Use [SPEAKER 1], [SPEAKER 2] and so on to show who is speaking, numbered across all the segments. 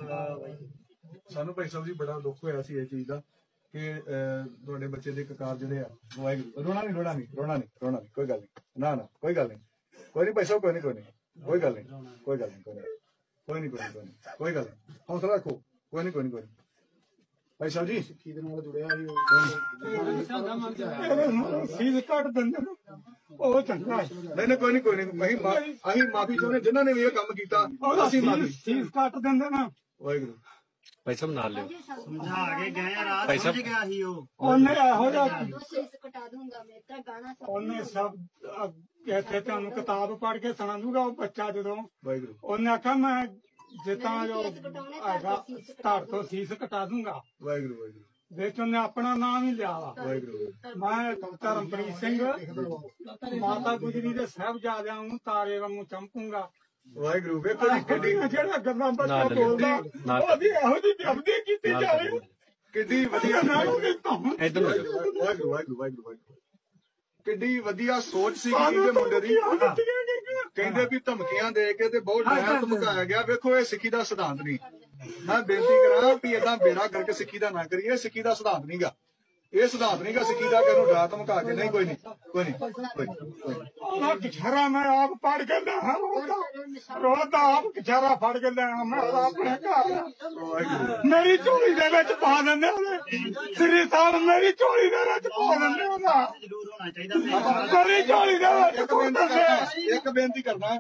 [SPEAKER 1] ਸਾਨੂੰ ਭਾਈ ਸਾਹਿਬ ਜੀ ਬੜਾ ਦੁੱਖ ਹੋਇਆ ਸੀ ਇਹ ਚੀਜ਼ ਦਾ ਕਿ ਤੁਹਾਡੇ ਬੱਚੇ ਦੇ ਕਕਾਰ ਜਿਹੜੇ ਆ ਵਾਹਿਗੁਰੂ ਰੋਣਾ ਨਹੀਂ ਕੋਈ ਗੱਲ ਨਹੀਂ ਨਾ ਕੋਈ ਗੱਲ ਨਹੀਂ ਭਾਈ ਸਾਹਿਬ ਕੋਈ ਗੱਲ ਨਹੀਂ ਹੌਸਲਾ ਰੱਖੋ ਕੋਈ ਨਹੀਂ ਭਾਈ ਸਾਹਿਬ ਜੀ ਸਿੱਖੀ ਦੇ ਨਾਲ ਜੁੜਿਆ ਸੀ ਕੱਟ ਦਿੰਦੇ ਉਹ ਚੰਗਾ ਨਹੀਂ ਕੋਈ ਨਹੀਂ ਅਸੀਂ ਮਾਫੀ ਚਾਹੁੰਦੇ ਜਿਨ੍ਹਾਂ ਨੇ ਵੀ ਇਹ ਕੰਮ ਕੀਤਾ ਅਸੀਂ ਮਾਫੀ ਸੀਸ ਕੱਟ ਦਿੰਦੇ ਨਾ ਵਾਹਿਗੁਰੂ
[SPEAKER 2] ਭਾਈ ਸਾਹਿਬ ਨਾਲ ਲਿਓ
[SPEAKER 3] ਸਮਝਾ ਕੇ ਗਏ ਰਾਤ ਸਮਝ ਗਿਆ ਸੀ
[SPEAKER 1] ਉਹਨੇ ਇਹੋ ਜਿਹਾ
[SPEAKER 4] ਕਟਾ ਦੂੰਗਾ ਮੈਂ ਤਾਂ ਗਾਣਾ
[SPEAKER 1] ਉਹਨੇ ਸਭ ਇੱਥੇ ਤੁਹਾਨੂੰ ਕਿਤਾਬ ਪੜ੍ਹ ਕੇ ਸੁਣਾ ਦੂਗਾ ਉਹ ਬੱਚਾ ਜਦੋਂ ਵਾਹਿਗੁਰੂ ਉਹਨੇ ਆਖਿਆ ਮੈਂ ਜਿੱਦਾਂ ਜੋ ਹੈਗਾ ਧੜ ਤੋਂ ਸੀਸ ਕਟਾ ਦੂੰਗਾ ਵਾਹਿਗੁਰੂ ਵਿੱਚ ਉਹਨੇ ਆਪਣਾ ਨਾਮ ਹੀ ਲਿਆ ਵਾ ਵਾਹਿਗੁਰੂ ਮੈਂ ਧਰਮਪ੍ਰੀਤ ਸਿੰਘ ਮਾਤਾ ਗੁਜਰੀ ਦੇ ਸਾਹਿਬਜ਼ਾਦਿਆਂ ਨੂੰ ਤਾਰੇ ਵਾਂਗੂ ਚਮਕੂੰਗਾ ਵਾਹਿਗੁਰੂ ਵੇਖੋ ਜਿਹੜਾ ਗੱਲਾਂ ਬੱਚਾ ਬੋਲਦਾ ਉਹਦੀ ਇਹੋ ਜਿਹੀ ਬੇਅਦਬੀ ਕੀਤੀ ਜਾਵੇ ਕਿੱਡੀ ਵਧੀਆ ਵਾਹਿਗੁਰੂ ਕਿੱਡੀ ਵਧੀਆ ਸੋਚ ਸੀ ਇਹਦੇ ਮੁੰਡੇ ਦੀ ਕਹਿੰਦੇ ਵੀ ਧਮਕੀਆਂ ਦੇ ਕੇ ਤੇ ਬਹੁਤ ਡਰ ਧਮਕਾਇਆ ਗਿਆ ਵੇਖੋ ਇਹ ਸਿੱਖੀ ਦਾ ਸਿਧਾਂਤ ਨਹੀਂ ਮੈਂ ਬੇਨਤੀ ਕਰਾਂ ਵੀ ਏਦਾਂ ਬੇੜਾ ਕਰਕੇ ਸਿੱਖੀ ਦਾ ਨਾ ਕਰੀਏ ਸਿੱਖੀ ਦਾ ਸਿਧਾਂਤ ਨਹੀਂਗਾ ਇਹ ਸਿਧਾਂਤ ਨਹੀਂਗਾ ਸਿੱਖੀ ਦਾ ਕਿ ਇਹਨੂੰ ਡਰਾ ਧਮਕਾ ਕੇ ਨਹੀਂ ਕੋਈ ਨਹੀਂ ਕਿਛਾਰਾ ਮੈਂ ਆਪ ਪੜ ਕੇ ਲਿਆ ਰੋਦਾ ਆਪ ਕਿਛਾਰਾ ਫੜ ਕੇ ਲਿਆ ਮੈਂ ਆਪਣੇ ਘਰ ਮੇਰੀ ਝੋਲੀ ਦੇ ਵਿੱਚ ਪਾ ਦਿੰਦੇ ਉਹਦੇ ਸ੍ਰੀ ਸਾਹਿਬ ਮੇਰੀ ਝੋਲੀ ਦੇ ਵਿੱਚ ਪਾ ਦਿੰਦੇ ਉਹਦਾ
[SPEAKER 3] ਜ਼ਰੂਰ ਹੋਣਾ ਚਾਹੀਦਾ
[SPEAKER 1] ਮੇਰੀ ਝੋਲੀ ਦੇ ਵਿੱਚ
[SPEAKER 5] ਇੱਕ ਬੇਨਤੀ ਕਰਨਾ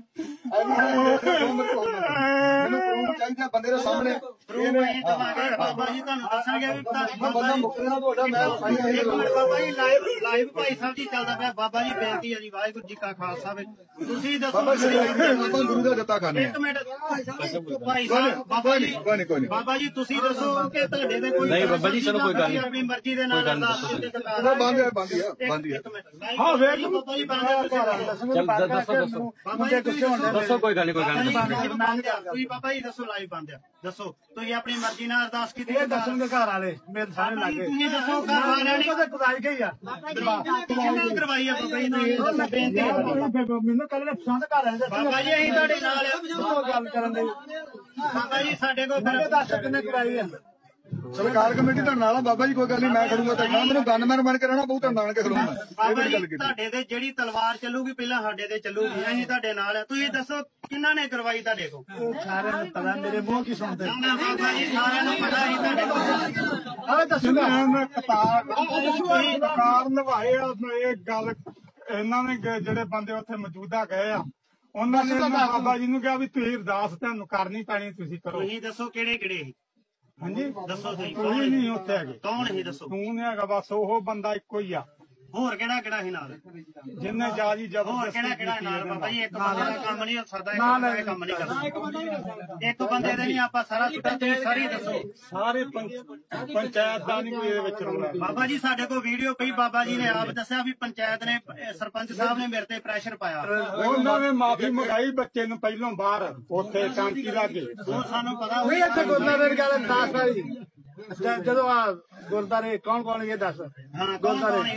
[SPEAKER 5] ਮੈਨੂੰ ਚਾਹੀਦਾ ਬੰਦੇ ਦੇ ਸਾਹਮਣੇ
[SPEAKER 3] ਬਾਬਾ ਜੀ ਤੁਹਾਨੂੰ ਦੱਸਣਗੇ ਵੀ
[SPEAKER 5] ਬੰਦਾ ਮੁੱਕਣਾ ਤੁਹਾਡਾ ਮੈਂ
[SPEAKER 3] ਬਾਬਾ ਜੀ ਲਾਈਵ ਭਾਈ ਸਾਹਿਬ ਜੀ ਚੱਲਦਾ ਪਿਆ ਬਾਬਾ ਜੀ ਬੇਨਤੀ ਹੈ ਜੀ ਵਾਹਿਗੁਰੂ ਜੀ ਕਾ ਖਾਲਸਾ ਤੁਸੀਂ ਦੱਸੋ
[SPEAKER 5] ਆਪਾਂ ਗੁਰੂ ਦਾ ਦਿੱਤਾ ਖਾਣੇ
[SPEAKER 3] ਇੱਕ ਮਿੰਟ ਭਾਈ ਸਾਹਿਬ ਬਾਬਾ ਜੀ ਤੁਸੀਂ ਦੱਸੋ ਕਿ ਤੁਹਾਡੇ ਦੇ ਕੋਈ
[SPEAKER 2] ਨਹੀਂ ਬਾਬਾ ਜੀ ਚਲੋ ਕੋਈ ਗੱਲ ਨਹੀਂ
[SPEAKER 3] ਆਪਣੀ ਮਰਜ਼ੀ ਦੇ ਨਾਲ
[SPEAKER 5] ਬੰਦ
[SPEAKER 3] ਹਾਂ ਵੇਖ ਬਾਬਾ ਜੀ
[SPEAKER 2] ਦੱਸੋ ਕੋਈ ਗੱਲ ਨਹੀਂ
[SPEAKER 3] ਤੁਸੀਂ ਬਾਬਾ ਜੀ ਦੱਸੋ ਲਾਈਵ ਬੰਦ ਆ ਦੱਸੋ ਤੁਸੀਂ ਆਪਣੀ ਮਰਜ਼ੀ ਨਾਲ ਅਰਦਾਸ ਕੀਤੀ
[SPEAKER 1] ਦੱਸਣਗੇ ਘਰ ਵਾਲੇ ਮੇਰੇ ਸਾਰੇ ਲੱਗੇ
[SPEAKER 3] ਤੁਸੀਂ ਦੱਸੋ ਘਰ ਵਾਲਿਆਂ ਨੇ
[SPEAKER 1] ਕਰਾਈ ਗਈ ਆ
[SPEAKER 3] ਕਿੰਨੇ ਕਰਵਾਈ ਆ ਬਾਬਾ ਜੀ ਨੇ ਬੇਨਤੀ
[SPEAKER 1] ਮੈਨੂੰ ਕੱਲ ਨੇ ਪਸੰਦ ਘਰ ਵਾਲੇ
[SPEAKER 3] ਬਾਬਾ ਜੀ ਅਸੀਂ ਤੁਹਾਡੇ ਨਾਲ
[SPEAKER 1] ਗੱਲ ਕਰਨ ਦੇ
[SPEAKER 3] ਬਾਬਾ ਜੀ ਸਾਡੇ ਕੋਲ
[SPEAKER 1] ਦੱਸ ਕਿੰਨੇ ਕਰਾਈ ਆ
[SPEAKER 5] ਸਰਕਾਰ ਕਮੇਟੀ ਤੁਹਾਡੇ ਨਾਲ ਆ ਬਾਬਾ ਜੀ ਕੋਈ ਗੱਲ ਨਹੀਂ ਮੈਂ ਖੜੂੰਗਾ ਤਾਂ ਮੈਨੂੰ ਗਨਮੈਨ ਬਣ ਕੇ ਰਹਿਣਾ ਬਹੁਤ ਨਾਲ ਕੇ ਖੜੂੰਗਾ
[SPEAKER 3] ਬਾਬਾ ਜੀ ਤੁਹਾਡੇ ਤੇ ਜਿਹੜੀ ਤਲਵਾਰ ਚੱਲੂਗੀ ਪਹਿਲਾਂ ਸਾਡੇ ਤੇ ਚੱਲੂਗੀ ਅਸੀਂ ਤੁਹਾਡੇ ਨਾਲ ਆ ਤੁਸੀਂ ਦੱਸੋ ਕਿੰਨਾ ਨੇ ਕਰਵਾਈ ਤੁਹਾਡੇ ਕੋਲ
[SPEAKER 1] ਸਾਰਿਆਂ ਨੂੰ ਪਤਾ ਮੇਰੇ ਮੂੰਹ ਕੀ ਸੁਣਦੇ
[SPEAKER 3] ਬਾਬਾ ਜੀ ਸਾਰਿਆਂ ਨੂੰ ਪਤਾ ਹੀ ਤੁਹਾਡੇ ਕੋਲ
[SPEAKER 1] ਆ ਦੱਸੋ ਮੈਂ ਕਤਾਰ ਨਿਭਾਏ ਆ ਇਹ ਗੱਲ ਇਹਨਾਂ ਨੇ ਜਿਹੜੇ ਬੰਦੇ ਉੱਥੇ ਮੌਜੂਦਾ ਗਏ ਆ ਉਹਨਾਂ ਨੇ ਬਾਬਾ ਜੀ ਨੂੰ ਕਿਹਾ ਵੀ ਤੁਸੀਂ ਅਰਦਾਸ ਤੁਹਾਨੂੰ ਕਰਨੀ ਪੈਣੀ ਤੁਸੀਂ ਕਰੋ
[SPEAKER 3] ਤੁਸੀਂ ਦੱਸੋ ਕਿਹੜੇ ਕਿਹੜੇ
[SPEAKER 1] ਹਾਂਜੀ
[SPEAKER 3] ਦੱਸੋ ਤੁਸੀਂ
[SPEAKER 1] ਕੋਈ ਨਹੀਂ ਉੱਥੇ ਹੈਗੇ
[SPEAKER 3] ਕੌਣ ਸੀ ਦੱਸੋ
[SPEAKER 1] ਤੂੰ ਨੇ ਹੈਗਾ ਬਸ ਉਹ ਬੰਦਾ ਇੱਕੋ ਹੀ ਆ
[SPEAKER 3] ਹੋਰ ਕਿਹੜਾ ਕਿਹੜਾ ਸੀ ਨਾਲ
[SPEAKER 1] ਜਿੰਨੇ ਜਾਜੀ
[SPEAKER 3] ਹੋਰ ਕਿਹੜਾ ਕਿਹੜਾ ਨਾਲ ਬਾਬਾ ਜੀ ਇੱਕ ਬੰਦੇ ਦਾ ਕੰਮ ਨਹੀਂ ਹੋ ਸਕਦਾ ਇੱਕ ਕੰਮ ਨਹੀਂ ਕਰਦਾ ਇੱਕ ਬੰਦੇ ਦੇ ਨਹੀਂ ਆਪਾਂ ਸਾਰਾ ਛੁੱਟਾ ਤੁਸੀਂ ਸਾਰੀ ਦੱਸੋ
[SPEAKER 1] ਸਾਰੇ ਪੰਚਾਇਤ ਦਾ ਨਹੀਂ ਕੋਈ ਇਹਦੇ ਵਿੱਚ ਰੋਣਾ
[SPEAKER 3] ਬਾਬਾ ਜੀ ਸਾਡੇ ਕੋਲ ਵੀਡੀਓ ਪਈ ਬਾਬਾ ਜੀ ਨੇ ਆਪ ਦੱਸਿਆ ਵੀ ਪੰਚਾਇਤ ਨੇ ਸਰਪੰਚ ਸਾਹਿਬ ਨੇ ਮੇਰੇ ਤੇ ਪ੍ਰੈਸ਼ਰ ਪਾਇਆ
[SPEAKER 1] ਉਹਨਾਂ ਨੇ ਮਾਫੀ ਮੰਗਾਈ ਬੱਚੇ ਨੂੰ ਪਹਿਲੋਂ ਬਾਹਰ ਉੱਥੇ ਟਾਂਕੀ ਲਾਗੇ
[SPEAKER 3] ਉਹ ਸਾਨੂੰ ਪਤਾ
[SPEAKER 1] ਉਹ ਇੱਥੇ ਗੁਰਦਾਰੇ ਗੱਲ ਦੱਸ ਵਾਲੀ ਜਦੋਂ ਆ ਗੁਰਦਾਰੇ ਕੌਣ ਇਹ ਦੱਸ
[SPEAKER 3] ਹਾਂ ਗੁਰਦਾਰੇ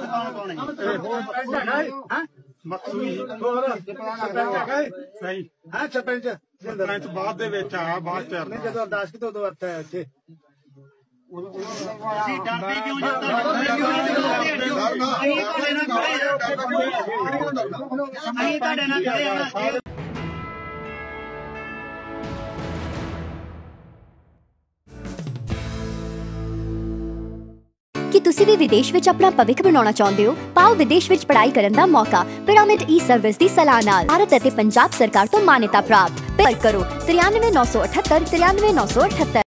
[SPEAKER 3] ਕੌਣ
[SPEAKER 1] ਹੈ ਮਕਸੂਦ ਹੋਰ ਸਹੀ ਹੈ ਸਰਪੰਚ ਬਾਅਦ ਦੇ ਵਿੱਚ ਆ ਬਾਅਦ ਚ ਨਹੀਂ ਜਦੋਂ ਅਰਦਾਸ ਕੀਤੀ ਉਦੋਂ ਅਰਥ ਹੈ ਇੱਥੇ
[SPEAKER 3] ਅਸੀਂ ਡਰਦੇ ਕਿਉਂ ਜਾਂਦਾ ਅਸੀਂ ਤੁਹਾਡੇ ਨਾਲ ਖੜੇ ਆ
[SPEAKER 6] ਕੀ ਤੁਸੀਂ ਵੀ ਵਿਦੇਸ਼ ਵਿੱਚ ਆਪਣਾ ਭਵਿੱਖ ਬਣਾਉਣਾ ਚਾਹੁੰਦੇ ਹੋ? ਪਾਓ ਵਿਦੇਸ਼ ਵਿੱਚ ਪੜ੍ਹਾਈ ਕਰਨ ਦਾ ਮੌਕਾ ਪਿਰਾਮਿਡ ਈ-ਸਰਵਿਸ ਦੀ ਸਲਾਹ ਨਾਲ ਭਾਰਤ ਅਤੇ ਪੰਜਾਬ ਸਰਕਾਰ ਤੋਂ ਮਾਨਤਾ ਪ੍ਰਾਪਤ। ਪਰ ਕਰੋ 93 978 93 978।